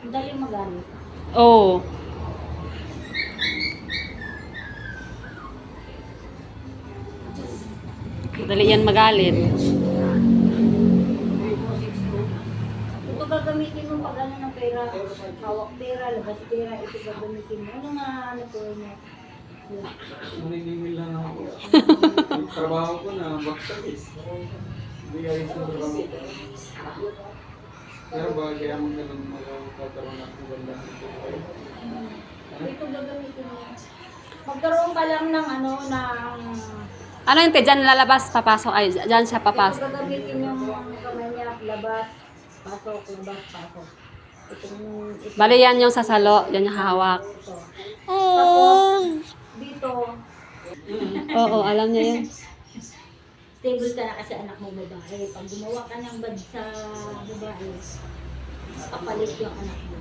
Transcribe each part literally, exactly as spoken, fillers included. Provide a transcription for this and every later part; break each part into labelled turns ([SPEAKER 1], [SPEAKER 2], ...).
[SPEAKER 1] Daling magalit.
[SPEAKER 2] Oo. Dali yan magalit.
[SPEAKER 1] Ito gagamitin mo pag ano ng pera, hawak pera, labas pera, ito gagamitin mo. Ano nga ano po niya?
[SPEAKER 3] Maniningil lang ako. Yung trabaho ko na baksak eh. Hindi ayos yung trabaho ko. Pero ba kaya mo ganun magkakaroon ng maganda nito?
[SPEAKER 1] Ito gagamitin mo. Magkaroon ka lang ng ano, ng...
[SPEAKER 2] Ano yun, te? Diyan lalabas, papasok. Ay, diyan siya
[SPEAKER 1] Ito
[SPEAKER 2] papasok.
[SPEAKER 1] gagamitin yung kamay niya, labas, pasok, labas, pasok. Itong... Ito,
[SPEAKER 2] Bali yan yung sasalo. Yan yung hawak.
[SPEAKER 1] ito. Tapos, dito,
[SPEAKER 2] Oo, alam niya yan.
[SPEAKER 1] stable ka na kasi anak mo babae. Pag gumawa ka ng bad sa babae, kapalit yung anak mo.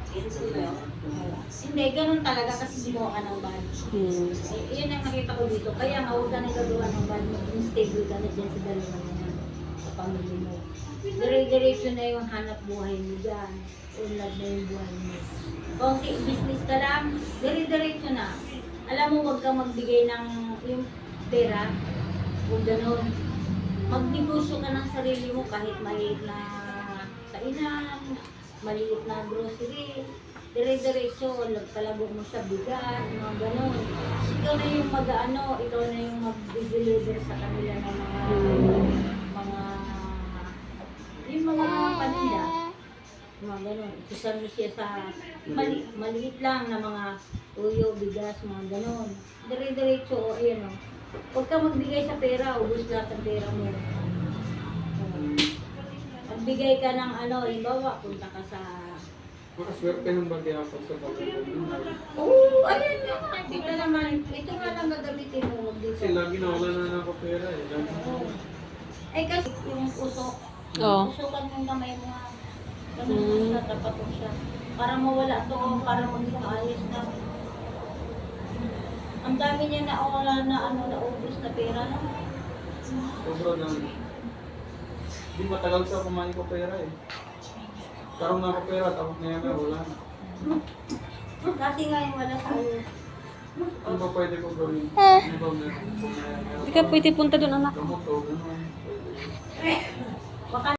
[SPEAKER 1] Hindi, ganun talaga kasi gumawa ka ng bad.
[SPEAKER 2] Hmm.
[SPEAKER 1] Eh, yun ang nakita ko dito. Kaya nga, huwag ka nang gagawa ng bad mo. Kung stable ka na dyan sa dalawa na yan, sa pamilya mo. Dire-diretso na yung hanap buhay mo dyan. Unlad na yung buhay mo. Kung si business ka lang, dire-diretso na. Alam mo, huwag kang magbigay ng yung pera. Kung gano'n. Magnegosyo ka ng sarili mo kahit maliit na kainan, maliit na grocery. Dire-diretso, palago mo sa bigas, mga gano'n. Ikaw na yung mag-ano, ikaw na yung mag-deliver sa kanila ng mga mga yung mga paninda. Mga gano'n. Ikusan mo siya sa mali, maliit lang na mga tuyo, bigas, mga gano'n. Dire-diretso, o ayan o. Huwag ka magbigay sa pera, ubus lahat ang pera mo. Magbigay ka ng ano, imbawa, punta ka sa...
[SPEAKER 3] Makaswerte ng bagay ako sa pagkakas.
[SPEAKER 1] Oo, ayan nga. Ito naman, ito nga lang gagamitin mo. Huwag dito.
[SPEAKER 3] Kasi lagi na wala na ako pera eh. Lagi na.
[SPEAKER 1] Oo. Eh kasi yung usok,
[SPEAKER 2] Oo.
[SPEAKER 1] usukan mo yung kamay mo nga. Ganun mo siya, tapat mo siya. Para mawala to, para maging maayos na. Ang dami niya na wala na ano, na ubus na pera na.
[SPEAKER 3] Sobra na. Hindi matagal sa kumain ko pera eh. Karoon na ako pera, tapos na yan wala na.
[SPEAKER 1] Kasi nga yung wala sa ayos.
[SPEAKER 3] Ano ba pwede ko gawin? Ano ba meron?
[SPEAKER 2] Hindi ka pwede punta doon, anak.
[SPEAKER 3] Gamot o gano'n.
[SPEAKER 1] Baka